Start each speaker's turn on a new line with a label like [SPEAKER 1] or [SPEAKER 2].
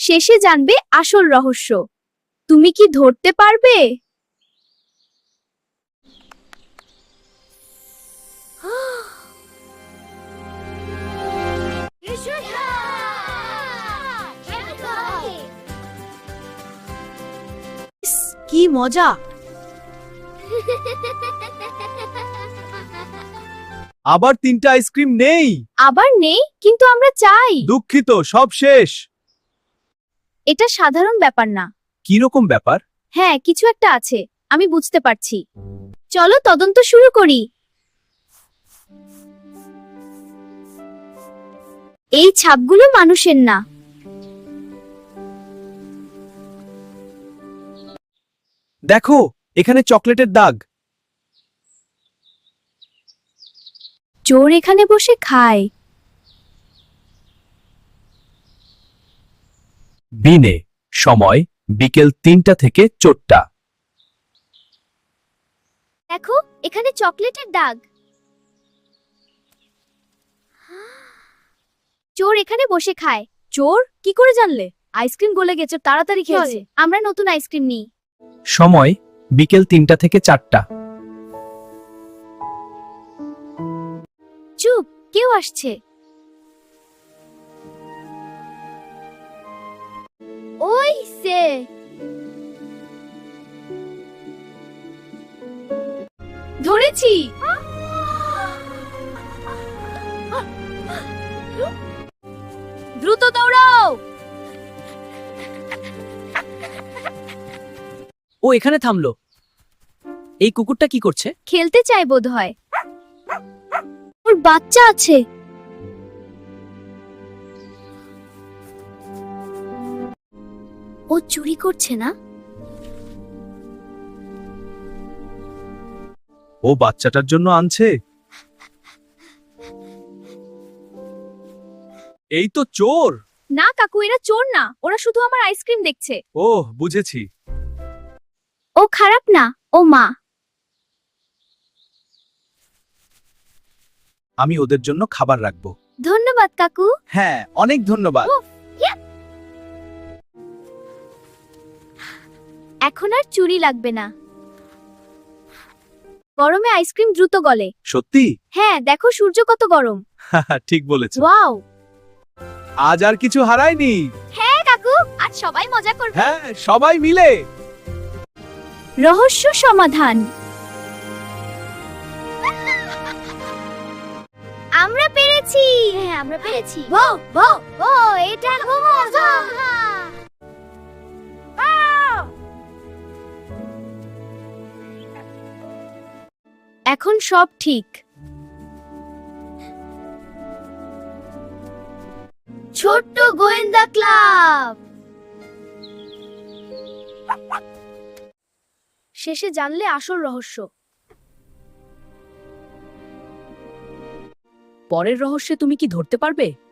[SPEAKER 1] শেষে জানবে আসল রহস্য। তুমি কি ধরতে পারবে?
[SPEAKER 2] কি মজা!
[SPEAKER 3] আবার 3টা আইসক্রিম নেই।
[SPEAKER 1] আবার নেই, কিন্তু আমরা চাই।
[SPEAKER 3] দুঃখিত, সব শেষ।
[SPEAKER 1] এটা সাধারণ ব্যাপার না।
[SPEAKER 3] কি রকম ব্যাপার?
[SPEAKER 1] হ্যাঁ, কিছু একটা আছে, আমি বুঝতে পারছি। চলো তদন্ত শুরু করি। এই ছাপগুলো মানুষের না।
[SPEAKER 3] দেখো, এখানে চকলেটের দাগ।
[SPEAKER 1] চোর এখানে বসে খায়।
[SPEAKER 3] বিনে সময় বিকেল 3টা থেকে 4টা।
[SPEAKER 1] দেখো, এখানে চকলেটের দাগ। চোর এখানে বসে খায়।
[SPEAKER 2] চোর কি করে জানলে? আইসক্রিম গলে গেছে, তাড়াতাড়ি খেয়েছে।
[SPEAKER 1] আমরা নতুন আইসক্রিম নিই।
[SPEAKER 3] সময় বিকেল 3টা থেকে 4টা।
[SPEAKER 1] চুপ, কেউ আসছে। ওই সে। ধরেছি। দ্রুত দৌড়াও।
[SPEAKER 2] ও এখানে থামলো। এই কুকুরটা কি করছে?
[SPEAKER 1] খেলতে চায় বোধহয়। ওর বাচ্চা আছে। ও চুরি করছে না?
[SPEAKER 3] ও বাচ্চাটার জন্য আনছে। এই তো চোর।
[SPEAKER 1] না কাকু, এরা চোর না, ওরা শুধু আমার আইসক্রিম দেখছে।
[SPEAKER 3] ওহ, বুঝেছি।
[SPEAKER 1] ও খারাপ না, ও মা।
[SPEAKER 3] আমি ওদের জন্য খাবার রাখবো।
[SPEAKER 1] ধন্যবাদ কাকু।
[SPEAKER 3] হ্যাঁ, অনেক ধন্যবাদ।
[SPEAKER 1] এখন আর চুরি লাগবে না। গরমে আইসক্রিম দ্রুত গলে।
[SPEAKER 3] সত্যি?
[SPEAKER 1] হ্যাঁ, দেখো সূর্য কত গরম।
[SPEAKER 3] ঠিক বলেছো।
[SPEAKER 1] ওয়াও।
[SPEAKER 3] আজ আর কিছু হারায়নি।
[SPEAKER 1] হ্যাঁ কাকু, আজ সবাই মজা করবে।
[SPEAKER 3] হ্যাঁ, সবাই মিলে।
[SPEAKER 1] রহস্য সমাধান। আমরা পেরেছি। হ্যাঁ, আমরা পেরেছি। ও এটা খুব মজা। এখন সব ঠিক। ছোট্ট গোয়েন্দা ক্লাব। শেষে জানলে আসল রহস্য।
[SPEAKER 2] পরের রহস্যে তুমি কি ধরতে পারবে?